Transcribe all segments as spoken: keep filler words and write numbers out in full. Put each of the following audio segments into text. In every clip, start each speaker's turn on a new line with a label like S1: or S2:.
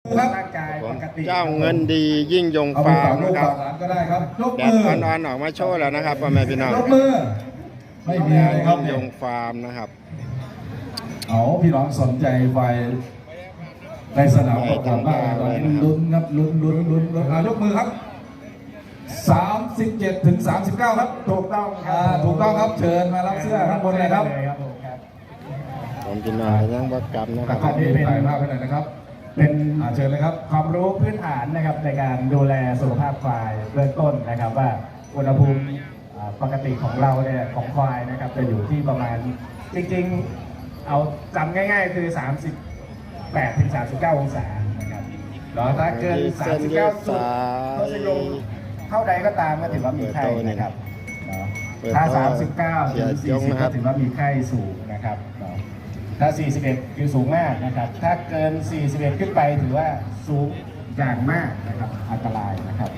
S1: ร่างกายปกติ
S2: เจ้าเงินดียิ่งยง
S3: เอาไป
S2: ฟาร์
S3: ฝาม กลูก
S2: นะครั
S3: ฝา
S2: บ
S3: กหลานก็ได้ครับยก
S2: แด
S3: มื
S2: ด
S3: อ
S2: อ่อนๆออกมาโชว์แล้วนะครับพ่อแม่พี่น้อง
S3: ยกมือไม่มีอะไรครับ
S2: ยิ่งย
S3: เนี่ย
S2: งฟาร์มนะครับ
S3: เอาพี่น้องสนใจไฟในสนามประกอบบ้างตอนนี้ลุ้นครับลุ้นลุ้นลุ้นลุ้นอ่ะยกมือครับสามสิบเจ็ดถึงสามสิบเก้าครับถูกต้องครับถูกต้องครับเชิญมารับเสื้อข้างบนเลยครับ
S1: ผมครับ
S2: ผมกินหน่อยยังบักกรรมนะค
S3: แต่
S2: รับ
S3: ขอบคุณถ่ายภาพให้หน่อยนะครับ
S1: เป็น
S3: อ่าเชิญเลยครับ
S1: ความรู้พื้นฐานนะครับในการดูแลสุขภาพควายเบื้องต้นนะครับว่าอุณหภูมิอ่าปกติของเราเนี่ยของควายนะครับจะอยู่ที่ประมาณจริงๆเอาจำง่ายๆคือ สามสิบแปดถึงสามสิบเก้า องศานะครับแล้วถ้าเกิน สามสิบเก้า จุดทศนิยมเท่าใดก็ตามก็ถือว่ามีไข้นะครับเนาะถ้า สามสิบเก้า ถึง สี่สิบ ก็ถือว่ามีไข้สูงนะครับเนาะถ้า สี่สิบเอ็ด คือสูงมากนะครับ ถ้าเกิน สี่สิบเอ็ด ขึ้นไปถือว่าสูงอย่างมากนะครับอันตรายนะครับ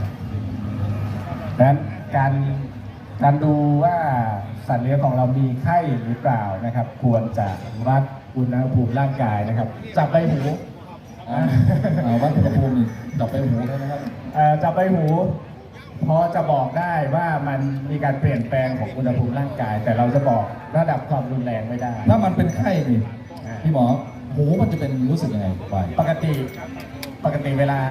S1: ดังนั้นการการดูว่าสัตว์เลี้ยงของเรามีไข้หรือเปล่านะครับ ควรจะวัดอุณหภูมิร่างกายนะครับ จับใบหู
S3: อ่าวัดอุณหภูมิจับไปหูได้ไหมครับ
S1: เอ่อจับใบหูพอจะบอกได้ว่ามันมีการเปลี่ยนแปลงของอุณหภูมิร่างกาย แต่เราจะบอกระดับความรุนแรงไม่ได้
S3: ถ้ามันเป็นไข้นี่
S1: อ่า
S3: พี่หมอหูมันจะเป็นรู้สึกยังไงไป
S1: ปกติปกติเวลา